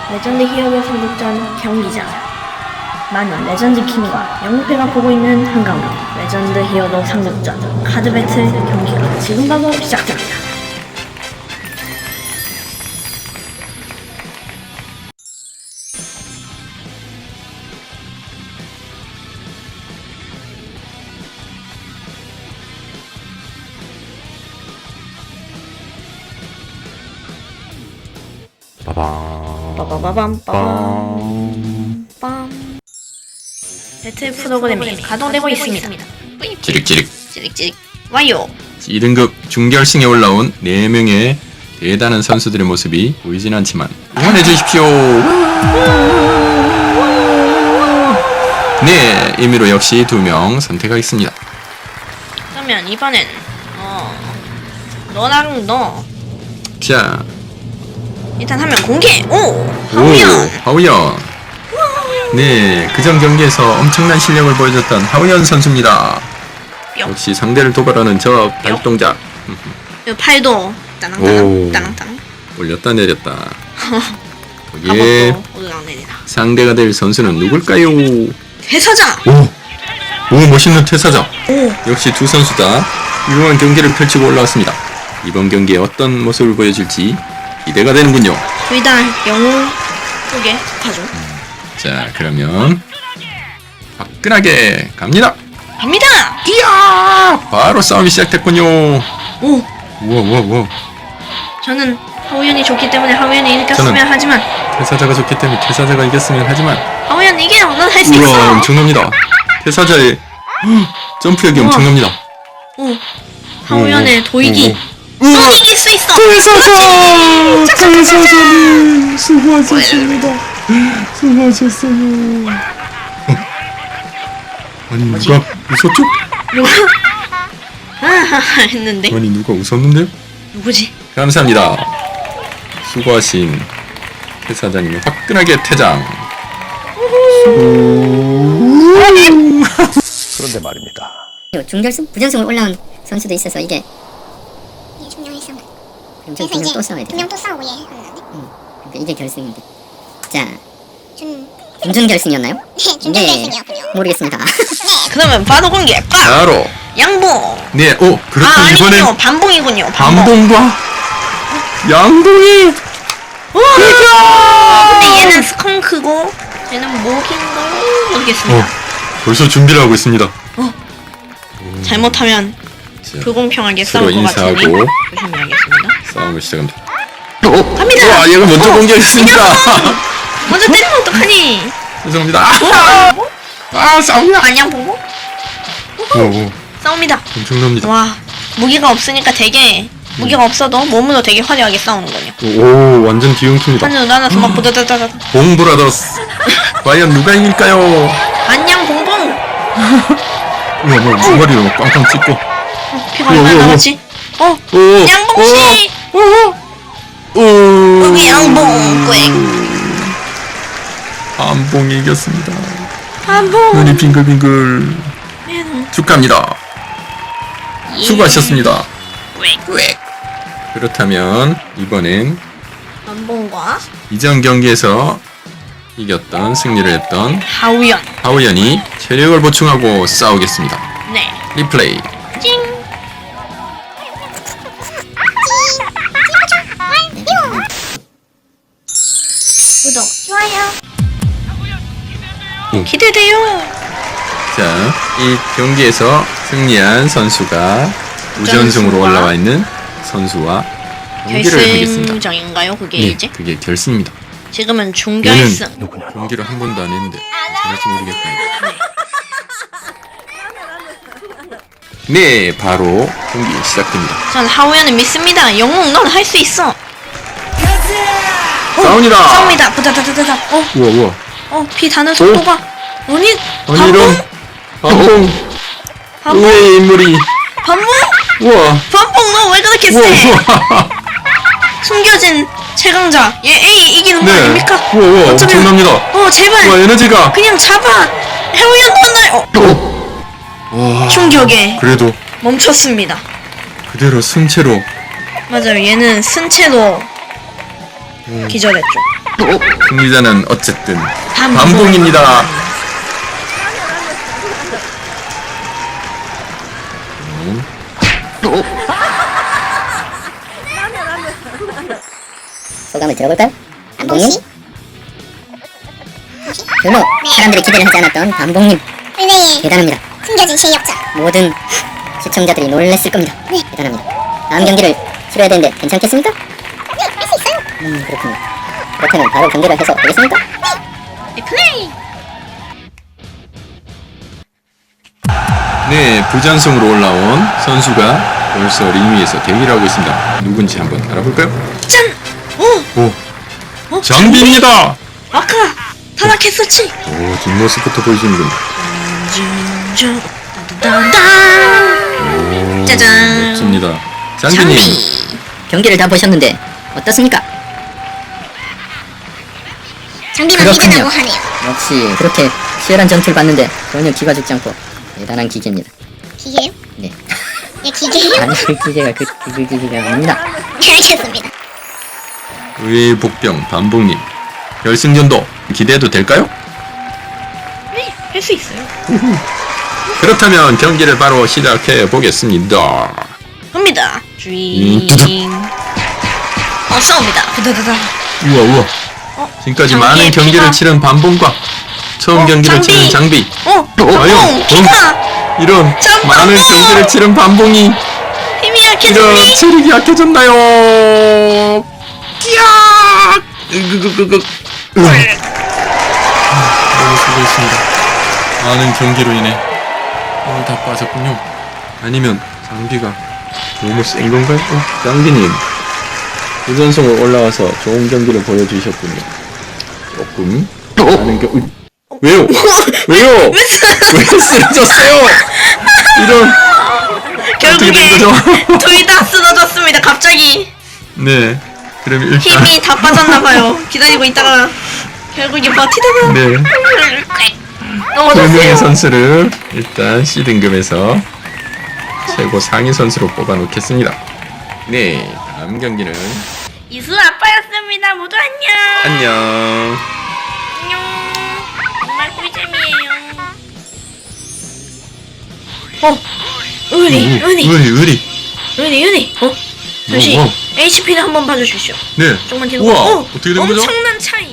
레전드 히어로 상륙전 경기장. 많은 레전드 킹과 영웅패가 보고 있는 한가운데 레전드 히어로 상륙전 카드 배틀 경기가 지금 바로 시작됩니다. 빠바바밤 빰. 배틀 프로그램이 가동되고 있습니다. 찌릭찌릭 와요. 2등급 중결승에 올라온 4명의 대단한 선수들의 모습이 보이진 않지만 응원해 주십시오. 네, 임의로 역시 2명 선택하겠습니다. 그러면 이번엔 너랑 너 자, 일단 하면 공개. 오, 하우연. 하우연. 네, 그전 경기에서 엄청난 실력을 보여줬던 하우연 선수입니다. 뿅. 역시 상대를 도발하는 저 발동작. 이 팔도 오. 따랑따랑 올렸다 내렸다. 거기에 가복도 올라내리다. 상대가 될 선수는 누굴까요? 대사장. 오, 멋있는 퇴사자. 오. 역시 두 선수 다 훌륭한 경기를 펼치고 올라왔습니다. 이번 경기에 어떤 모습을 보여줄지 기대가 되는군요. 둘 다 영웅 쪽에 속하죠. 자, 그러면 화끈하게 갑니다. 갑니다. 이야! 바로 싸움이 시작됐군요. 오. 우와. 저는 하우연이 좋기 때문에 하우연이 이겼으면 저는- 하지만 퇴사자가 좋기 때문에 퇴사자가 이겼으면 하지만 하우연 이겨. 넌 할 수 우와, 있어. 엄청납니다. 퇴사자의 점프력이 우와. 엄청납니다. 오. 하우연의 도이기. 우와. 넌 이길 수 있어. 퇴사자님 수고하셨습니다. 수고하셨어요. 아니 누가 웃었죠? 아하하 했는데 아니 누가 웃었는데요? 누구지? 감사합니다. 수고하신 퇴사자님은 화끈하게 퇴장. 그런데 말입니다. 중결승, 부전승으로 올라온 선수도 있어서 이게 중요했어. 그럼 그래서 분명 이제 또 싸워야 돼. 분명 또 싸우고 얘 하는데. 그러니까 이게 결승인데. 자, 준 준결승이었나요? 네, 준결승이었군요. 모르겠습니다. 그러면 바로 공개. 빡. 바로 양봉. 네, 그렇군. 아니군요. 이번엔 반봉이군요. 반봉. 반봉과 양봉이. 근데 얘는 스컹크고 얘는 목인가 모르겠습니다. 벌써 준비를 하고 있습니다. 잘못하면 자, 불공평하게 서로 싸울 것 같으니 인사하고 조심해야겠습니다. 싸움을 시작합니다. 갑니다. 와, 얘가 먼저 공격했습니다. 먼저 때리면 어떡하니? 죄송합니다. 싸움이야. 안양 보고 오, 싸웁니다. 엄청납니다. 와, 무기가 없으니까 되게 무기가 없어도 몸으로 되게 화려하게 싸우는군요. 오, 완전 뒤엉킵니다. 하늘 나눠서 막 부다다다다. 봉브라더스. 과연 누가 이길까요? 안녕 봉봉. 우와, 주머리로 꽝꽝 찍고. 피가 얼마나 남았지? 오, 양봉 씨. 오, 여기 양봉 꽥. 반봉이 이겼습니다. 반봉. 눈이 빙글빙글. 축하합니다. 수고하셨습니다. 꽥. 그렇다면 이번엔 반봉과 이전 경기에서 이겼던 승리를 했던 하우연. 하우연이 체력을 보충하고 싸우겠습니다. 네. 리플레이. 찡. 구독, 좋아요. 기대돼요. 자, 이 경기에서 승리한 선수가 우전승으로 올라와 있는 선수와 경기를 하겠습니다. 결승전인가요? 그게 네, 이제? 그게 결승입니다. 지금은 중결승. 경기를 한 번도 안 했는데 잘할지 모르겠군요. 네, 바로 경기 시작됩니다. 전 하우연을 믿습니다. 영웅, 넌 할 수 있어. 싸웁니다. 싸웁니다. 부다다다다다. 우와. 피 다는 속도가. 아니, 아니 이런 반봉 반봉? 의외의 인물이. 반봉? 우와. 반봉, 너 왜 그렇게 세? 우와. 숨겨진 최강자. 얘 A 이기는 거 네. 아닙니까? 우와, 어쩌면- 엄청납니다. 제발. 우와, 에너지가. 그냥 잡아. 하우연 넌 와. 충격에 그래도 멈췄습니다. 그대로 승체로. 맞아요. 얘는 승체로 기절했죠. 승리자는 어쨌든 반봉입니다. 소감을 들어볼까요? 반봉님? 반봉씨? 별로 사람들이 기대를 하지 않았던 반봉님 플레이에 대단합니다. 숨겨진 실력자. 모든 시청자들이 놀랬을 겁니다. 네. 대단합니다. 다음 경기를 치러야 되는데 괜찮겠습니까? 네, 할 수 있어요. 그렇군요. 그렇다면 바로 경기를 해서 되겠습니까? 네, 플레이. 네, 부전승으로 올라온 선수가 벌써 링 위에서 대기를 하고 있습니다. 누군지 한번 알아볼까요? 짠! 오! 장비입니다! 아까 타락했었지? 오, 뒷모습부터 보여주는군. 오, 짜잔. 멋집니다. 장비님, 경기를 다 보셨는데 어떻습니까? 장비만 그렇군요. 믿으라고 하네요. 역시 그렇게 치열한 전투를 봤는데 전혀 기가 죽지 않고 대단한 기계입니다. 기계요? 네. 네, 기계요? 아니 그 기계가 그 기계가 아닙니다. 네, 알겠습니다. 의외의 복병 반봉님, 결승전도 기대해도 될까요? 네, 할 수 있어요. 그렇다면 경기를 바로 시작해 보겠습니다. 갑니다. 두둑. 싸웁니다. 두두두두. 우와 우와. 지금까지 장비의 많은 경기를 피가. 치른 반봉과 처음 경기를 장비. 치른 장비. 반봉! 피가! 이런 전 많은 반봉! 경기를 치른 반봉이 힘이 이런 약해졌니? 체력이 약해졌나요? 야! 너무 수고했습니다. 많은 경기로 인해 오늘 다 빠졌군요. 아니면 장비가 너무 센 건가요? 장비님, 부전승으로 올라와서 좋은 경기를 보여주셨군요. 조금 많은 왜요? 왜요? 왜 쓰러졌어요? 이런 어떻게 된 결국에 거죠? 둘 다 쓰러졌습니다. 갑자기 네. 그럼 일단 힘이 다 빠졌나봐요. 기다리고 있다가 결국에 버티다가 네. 두 명의 넘어졌어요. 선수를 일단 C등급에서 최고 상위 선수로 뽑아놓겠습니다. 네, 다음 경기는 이수 아빠였습니다. 모두 안녕. 안녕. 안녕. 정말 꿀잼이에요. 의리. 잠시 오. HP를 한번 봐주십시오. 네. 조금만 뒤로. 우와, 어떻게 된 거죠? 엄청난 차이.